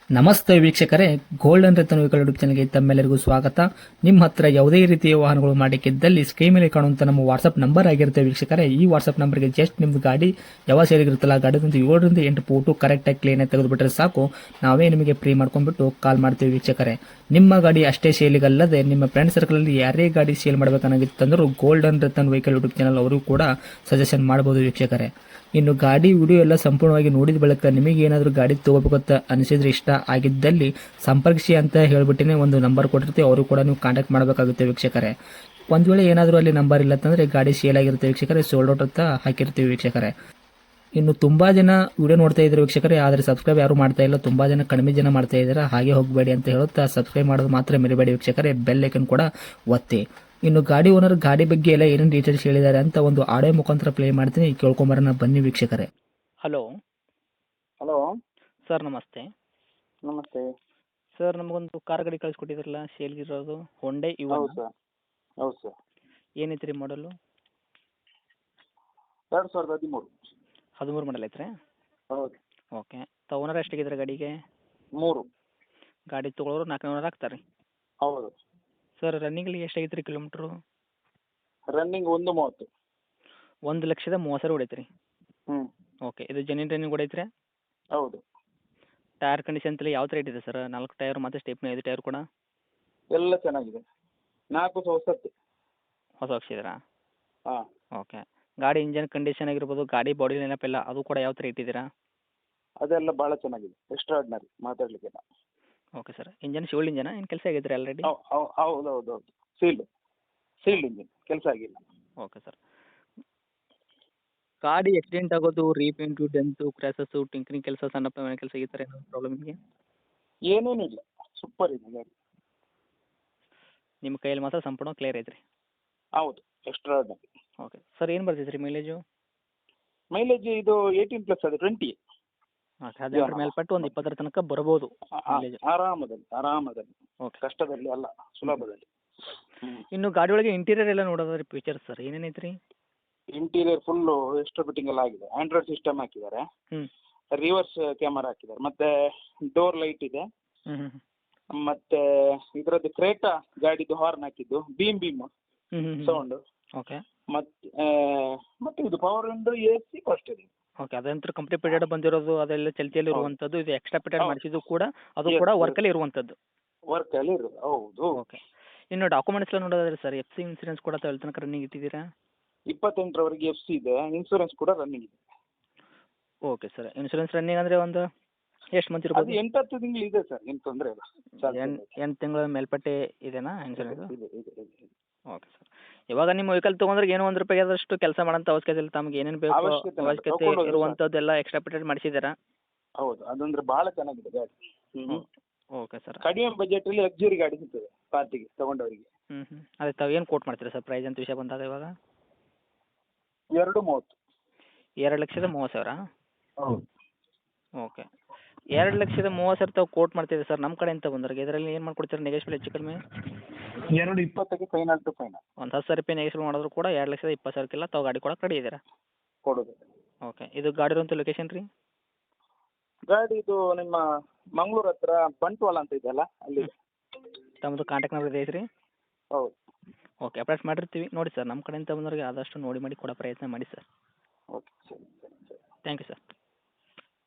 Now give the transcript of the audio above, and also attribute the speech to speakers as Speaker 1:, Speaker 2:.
Speaker 1: ನಮಸ್ತೆ ವೀಕ್ಷಕರೇ, golden Ratan vehicle YouTube ಚಾನಲ್ಗೆ ತಮ್ಮೆಲ್ಲರಿಗೂ ಸ್ವಾಗತ. ನಿಮ್ಮ ಹತ್ರ ಯಾವುದೇ ರೀತಿಯ ವಾಹನಗಳು ಮಾಡಿಕ್ಕಿದ್ದಲ್ಲಿ ಸ್ಕ್ರೀನ್ ಮೇಲೆ ಕಾಣುವಂತ ನಮ್ಮ ವಾಟ್ಸ್ಆಪ್ ನಂಬರ್ ಆಗಿರುತ್ತೆ ವೀಕ್ಷಕರೇ. ಈ ವಾಟ್ಸ್ಆಪ್ ನಂಬರ್ಗೆ ಜಸ್ಟ್ ನಿಮ್ದು ಗಾಡಿ ಯಾವ ಸೇರಿಗಿರುತ್ತಲ್ಲ ಗಾಡಿದಂತ 7ರಿಂದ 8 ಫೋಟೋ ಕರೆಕ್ಟಾಗಿ ಕ್ಲೀನ್ ಆಗಿ ತೆಗೆದುಬಿಟ್ರೆ ಸಾಕು, ನಾವೇ ನಿಮಗೆ ಫ್ರೀ ಮಾಡ್ಕೊಂಡ್ಬಿಟ್ಟು ಕಾಲ್ ಮಾಡ್ತೀವಿ ವೀಕ್ಷಕರೇ. ನಿಮ್ಮ ಗಾಡಿ ಅಷ್ಟೇ ಸೇಲಿಗಲ್ಲದೆ ನಿಮ್ಮ ಫ್ರೆಂಡ್ ಸರ್ಕಲ್ ಅಲ್ಲಿ ಯಾರೇ ಗಾಡಿ ಸೇಲ್ ಮಾಡಬೇಕನ್ನಾಗಿತ್ತಂದ್ರೂ golden Ratan vehicle YouTube channel ಅವರು ಕೂಡ ಸಜೆಷನ್ ಮಾಡಬಹುದು ವೀಕ್ಷಕರೇ. ಇನ್ನು ಗಾಡಿ ವಿಡಿಯೋ ಎಲ್ಲ ಸಂಪೂರ್ಣವಾಗಿ ನೋಡಿದ ಬಳಿಕ ನಿಮಗೆ ಏನಾದರೂ ಗಾಡಿ ತಗೋಬೇಕಂತ ಅನಿಸಿದ್ರೆ, ಇಷ್ಟ ಆಗಿದ್ದಲ್ಲಿ ಸಂಪರ್ಕಿಸಿ ಅಂತ ಹೇಳ್ಬಿಟ್ಟಿನೇ ಒಂದು ನಂಬರ್ ಕೊಟ್ಟಿರ್ತೀವಿ, ಅವರು ಕೂಡ ನೀವು ಕಾಂಟ್ಯಾಕ್ಟ್ ಮಾಡಬೇಕಾಗುತ್ತೆ ವೀಕ್ಷಕರೇ. ಒಂದು ವೇಳೆ ಏನಾದರೂ ಅಲ್ಲಿ ನಂಬರ್ ಇಲ್ಲ ಅಂತಂದರೆ ಗಾಡಿ ಸೇಲ್ ಆಗಿರುತ್ತೆ ವೀಕ್ಷಕರೇ, ಸೋಲ್ಡ್ ಔಟ್ ಅಂತ ಹಾಕಿರ್ತೀವಿ ವೀಕ್ಷಕರೇ. ಇನ್ನು ತುಂಬಾ ಜನ ವಿಡಿಯೋ ನೋಡ್ತಾ ಇದ್ದಾರೆ ವೀಕ್ಷಕರೇ, ಆದರೆ ಸಬ್ಸ್ಕ್ರೈಬ್ ಯಾರು ಮಾಡ್ತಾ ಇಲ್ಲ, ತುಂಬಾ ಜನ ಕಡಿಮೆ ಜನ ಮಾಡ್ತಾ ಇದ್ದಾರೆ. ಹಾಗೆ ಹೋಗಬೇಡಿ ಅಂತ ಹೇಳುತ್ತಾ ಸಬ್ಸ್ಕ್ರೈಬ್ ಮಾಡೋದು ಮಾತ್ರ ಮರಿಬೇಡಿ ವೀಕ್ಷಕರೇ, ಬೆಲ್ ಐಕನ್ ಕೂಡ ಒತ್ತಿ. ಇನ್ನು ಗಾಡಿ ಓನರ್ ಗಾಡಿ ಬಗ್ಗೆ ಎಲ್ಲ ಏನೇನು ಡೀಟೇಲ್ಸ್ ಹೇಳಿದ್ದಾರೆ ಅಂತ ಒಂದು ಆಡಿಯೋ ಮುಖಾಂತರ ಪ್ಲೇ ಮಾಡ್ತೀನಿ, ಕೇಳ್ಕೊಂಬರೋಣ ಬನ್ನಿ ವೀಕ್ಷಕರೇ. ಹಲೋ
Speaker 2: ಹಲೋ
Speaker 1: ಸರ್, ನಮಸ್ತೆ.
Speaker 2: ನಮಸ್ತೆ.
Speaker 1: ಸರ್, ನಮಗೊಂದು ಕಾರ್ ಗಾಡಿ ಕಳಿಸ್ಕೊಟ್ಟಿದ್ರಲ್ಲ ಸೇಲ್ಗಿರೋದು, ಹೊಂಡೆ
Speaker 2: ಹೌದು ಸರ್. ಹೌದು ಸರ್.
Speaker 1: ಏನೈತ್ರಿ ಮಾಡಲು?
Speaker 2: 2013.
Speaker 1: 13 ಮಾಡಲ್ ಐತ್ರಿ?
Speaker 2: ಹೌದು.
Speaker 1: ಓಕೆ. ಓನರ್ ಎಷ್ಟಾಗಿದ್ರೆ ಗಾಡಿಗೆ?
Speaker 2: 3.
Speaker 1: ಗಾಡಿ ತೊಗೊಳೋರು 400 ಆಗ್ತಾರೆ ರೀ?
Speaker 2: ಹೌದು.
Speaker 1: ಸರ್, ರನ್ನಿಂಗಲ್ಲಿ ಎಷ್ಟಾಗೈತೆ ರೀ ಕಿಲೋಮೀಟ್ರು?
Speaker 2: ರನ್ನಿಂಗ್ 1:30.
Speaker 1: 1,30,30,000 ಹೊಡೈತೆ ರೀ?
Speaker 2: ಹ್ಞೂ.
Speaker 1: ಓಕೆ. ಇದು ಜೆನ್ಯೂನ್ ರನ್ನಿಂಗ್ ಹೊಡೈತ್ರಿ?
Speaker 2: ಹೌದು.
Speaker 1: ಟೈರ್ ಕಂಡೀಷನ್ ಎಲ್ಲ ಯಾವ ಥರ ಇಟ್ಟಿದೆ ಸರ್? 4 ಟೈರ್ ಮತ್ತು ಸ್ಟೆಪ್ನಿ 5 ಟೈರ್ ಕೂಡ?
Speaker 2: ಎಲ್ಲ ಚೆನ್ನಾಗಿದೆ. 4 ಹೊಸತ್ತು.
Speaker 1: ಹೊಸ ಹಾಕ್ಸಿದ್ರಾ?
Speaker 2: ಹಾಂ.
Speaker 1: ಓಕೆ. ಗಾಡಿ ಇಂಜನ್ ಕಂಡೀಷನ್ ಆಗಿರ್ಬೋದು, ಗಾಡಿ ಬಾಡಿ ನೆನಪೆಲ್ಲ ಅದು ಕೂಡ ಯಾವ ಥರ ಇಟ್ಟಿದ್ದೀರಾ?
Speaker 2: ಅದೆಲ್ಲ ಭಾಳ ಚೆನ್ನಾಗಿದೆ, ಎಕ್ಸ್ಟ್ರಾರ್ಡಿನರಿ, ಮಾತಾಡಲಿಕ್ಕಿಲ್ಲ.
Speaker 1: Okay sir. ಇಂಜನ್ ಶಿವಲ್ ಇಂಜನ ಏನು ಕೆಲಸ ಆಗೈತೆ ರೀ ಆಲ್ರೆಡಿ?
Speaker 2: ಹೌದು ಹೌದು ಹೌದು. ಸೀಲ್ಡ್ ಇಂಜಿನ್, ಕೆಲಸ ಆಗಿಲ್ಲ.
Speaker 1: Okay sir. ಗಾಡಿ ಆಕ್ಸಿಡೆಂಟ್ ಆಗೋದು, ರೀಪೇಂಟು, ಡೆಂತು, ಕ್ರ್ಯಾಸಸ್ಸು, ಟಿಂಕರಿಂಗ್ ಕೆಲಸ, ಸಣ್ಣ ಪ್ರಮಾಣ ಕೆಲಸ ಈ ಥರ ಏನಾದರೂ ಪ್ರಾಬ್ಲಮ್ ಇದೆಯಾ?
Speaker 2: ಏನೇನು ಇಲ್ಲ, ಸೂಪರ್ ಇದೆ ಗಾಡಿ.
Speaker 1: ನಿಮ್ಮ ಕೈಯಲ್ಲಿ ಮಾತ್ರ ಸಂಪೂರ್ಣ ಕ್ಲಿಯರ್ ಐತ್ರಿ?
Speaker 2: ಹೌದು, ಎಕ್ಸ್ಟ್ರಾರ್ಡಿನರಿ.
Speaker 1: Okay sir. ಏನು ಬರ್ತೈತೆ ರೀ ಮೈಲೇಜು?
Speaker 2: ಮೈಲೇಜ್ ಇದು 18+ ಅದು 20.
Speaker 1: ಓಕೆ. 18 ಮೇಲ್ಪಟ್ಟು ಒಂದು 20 ತನಕ ಬರ್ಬೋದು ಮೈಲೇಜ್?
Speaker 2: ಆರಾಮದಲ್ಲಿ.
Speaker 1: ಓಕೆ.
Speaker 2: ಕಷ್ಟದಲ್ಲಿ ಅಲ್ಲ, ಸುಲಭದಲ್ಲಿ.
Speaker 1: ಇನ್ನು ಗಾಡಿ ಒಳಗೆ ಇಂಟೀರಿಯರ್ ಎಲ್ಲ ನೋಡೋದಾದ್ರೆ ಫೀಚರ್ಸ್ ಸರ್ ಏನೇನೈತೆ ರೀ?
Speaker 2: ಇಂಟೀರಿಯರ್ ಫುಲ್ಲು ಎಕ್ಸ್ಟ್ರಾ ಫಿಟ್ಟಿಂಗ್ ಎಲ್ಲ ಆಗಿದೆ. ಆಂಡ್ರಾಯ್ಡ್ ಸಿಸ್ಟಮ್ ಹಾಕಿದ್ದಾರೆ,
Speaker 1: ಹ್ಞೂ
Speaker 2: ರಿವರ್ಸ್ ಕ್ಯಾಮರಾ ಹಾಕಿದ್ದಾರೆ, ಮತ್ತೆ ಡೋರ್ ಲೈಟ್ ಇದೆ,
Speaker 1: ಹ್ಞೂ ಹ್ಞೂ
Speaker 2: ಮತ್ತೆ ಇದರದ್ದು ಕ್ರೇಟಾ ಗಾಡಿದು ಹಾರ್ನ್ ಹಾಕಿದ್ದು, ಬೀಮ್
Speaker 1: ಹ್ಞೂ ಹ್ಞೂ
Speaker 2: ಸೌಂಡ್,
Speaker 1: ಓಕೆ.
Speaker 2: ಮತ್ತೆ ಇದು ಪವರ್ ವಿಂಡೋ, AC, ಫಸ್ಟ್ ಇದೆ.
Speaker 1: ಓಕೆ. ಅದಂತರ ಕಂಪ್ಲೀಟ್ ಪೀರಿಯಡ್ ಬಂದಿರೋದು, ಅದೆಲ್ಲ ಚಲ್ತಿಯಲ್ಲಿ ಇರುವಂಥದ್ದು. ಇದು ಎಕ್ಸ್ಟ್ರಾ ಪೀರಿಯಡ್
Speaker 2: ಹೌದು.
Speaker 1: ಮಾಡಿಸಿದ್ದು ಕೂಡ ಅದು
Speaker 2: Yes,
Speaker 1: ಕೂಡ
Speaker 2: yes.
Speaker 1: ವರ್ಕಲ್ಲಿ ಇರುವಂಥದ್ದು?
Speaker 2: ವರ್ಕಲ್ಲಿ ಇರೋದು, ಹೌದು.
Speaker 1: ಓಕೆ. ಇನ್ನು ಡಾಕ್ಯುಮೆಂಟ್ಸ್ ಎಲ್ಲ ನೋಡೋದಾದ್ರೆ ಸರ್, FC ಇನ್ಸೂರೆನ್ಸ್ ಕೂಡ ತನಕ ರನ್ನಿಂಗ್ ಇಟ್ಟಿದ್ದೀರಾ?
Speaker 2: 28ರವರೆಗೆ FC ಇದೆ, ಇನ್ಸೂರೆನ್ಸ್ ಕೂಡ ರನ್ನಿಂಗ್ ಇದೆ.
Speaker 1: Okay sir. ಇನ್ಸೂರೆನ್ಸ್ ರನ್ನಿಂಗ್ ಅಂದರೆ ಒಂದು ಎಷ್ಟು ಮಂತ್
Speaker 2: ಅದು
Speaker 1: ಇರ್ಬೋದು?
Speaker 2: 8-10 ತಿಂಗಳು ಇದೆ ಸರ್, ಏನು ತೊಂದರೆ ಇಲ್ಲ.
Speaker 1: 8 ತಿಂಗಳ ಮೇಲ್ಪಟ್ಟೆ ಇದೆನಾ ಇನ್ಸೂರೆನ್ಸ್?
Speaker 2: ಇದೆ.
Speaker 1: Okay sir. ಇವಾಗ ನಿಮ್ಮ ವೆಹಿಕಲ್ ತೊಗೊಂಡ್ರೆ ಏನೋ ₹1 ಆದಷ್ಟು ಕೆಲಸ ಮಾಡೋಂಥ ಅವಶ್ಯಕತೆ ಇಲ್ಲ, ತಮಗೆ ಏನೇನು ಬೇಕು
Speaker 2: ಅವಶ್ಯಕತೆ ಇಲ್ಲ,
Speaker 1: ಅವಶ್ಯಕತೆ
Speaker 2: ತಗೊಂಡು ಹೋಗಿ
Speaker 1: ಇರುವಂಥದ್ದೆಲ್ಲ ಎಕ್ಸ್ಟ್ರಾ ಪೀರಿಯಡ್ ಮಾಡಿಸಿದ್ದೀರಾ?
Speaker 2: ಹೌದು, ಅದಂದ್ರೆ ಭಾಳ ಚೆನ್ನಾಗಿದೆ ಗಾಡಿ.
Speaker 1: Okay sir.
Speaker 2: ಕಡಿಮೆ ಬಜೆಟಲ್ಲಿ ಲಕ್ಸುರಿ ಗಾಡಿ ಸಿಗ್ತದೆ ಪಾರ್ಟಿಗೆ ತಗೊಂಡವರಿಗೆ.
Speaker 1: ಅದೇ ತಾವು ಏನು ಕೋಟ್ ಮಾಡ್ತೀರಾ ಸರ್ ಪ್ರೈಸ್ ಅಂತ ವಿಷಯ ಬಂದಾಗ ಇವಾಗ?
Speaker 2: 2:30.
Speaker 1: 2,30,000?
Speaker 2: ಹೌದು.
Speaker 1: ಓಕೆ. 2,30,000 ತಾವು ಕೋಟ್ ಮಾಡ್ತಿದ್ದೀವಿ ಸರ್ ನಮ್ಮ ಕಡೆಯಿಂದ ಬಂದವ್ರಿಗೆ, ಇದರಲ್ಲಿ ಏನು ಮಾಡ್ಕೊಡ್ತೀರಾ ನೆಗೆಶ್ಬಲ್ ಹೆಚ್ಚು ಕಡಿಮೆ?
Speaker 2: 2:20ಕ್ಕೆ ಫೈನಲ್ ಟು ಫೈನಲ್.
Speaker 1: ಒಂದು ₹10,000 ನೆಗೆಶ್ಬಲ್ ಮಾಡಿದ್ರು ಕೂಡ 2,20,000ಕ್ಕೆಲ್ಲ ತಾವು ಗಾಡಿ ಕೊಡಕ್ಕೆ ರೆಡಿ ಇದ್ದೀರಾ?
Speaker 2: ಕೊಡೋದು.
Speaker 1: ಓಕೆ. ಇದು ಗಾಡಿ ಇರುವಂಥ ಲೊಕೇಶನ್ ರೀ?
Speaker 2: ಗಾಡಿ ಇದು ನಿಮ್ಮ ಮಂಗಳೂರು ಹತ್ರ ಬಂಟ್ವಾಳ ಅಂತ ಇದೆಯಲ್ಲ, ಅಲ್ಲಿ.
Speaker 1: ತಮ್ಮದು ಕಾಂಟ್ಯಾಕ್ಟ್ ನಂಬರ್ ಇದೆ ಐತ್ರಿ?
Speaker 2: ಹೌದು.
Speaker 1: ಓಕೆ. ಅಪ್ಡೇಟ್ ಮಾಡಿರ್ತೀವಿ ನೋಡಿ ಸರ್, ನಮ್ಮ ಕಡೆಯಿಂದ ಬಂದವ್ರಿಗೆ ಆದಷ್ಟು ನೋಡಿ ಮಾಡಿ ಕೊಡೋ ಪ್ರಯತ್ನ ಮಾಡಿ ಸರ್.
Speaker 2: ಓಕೆ, ಸರಿ.
Speaker 1: Thank you sir.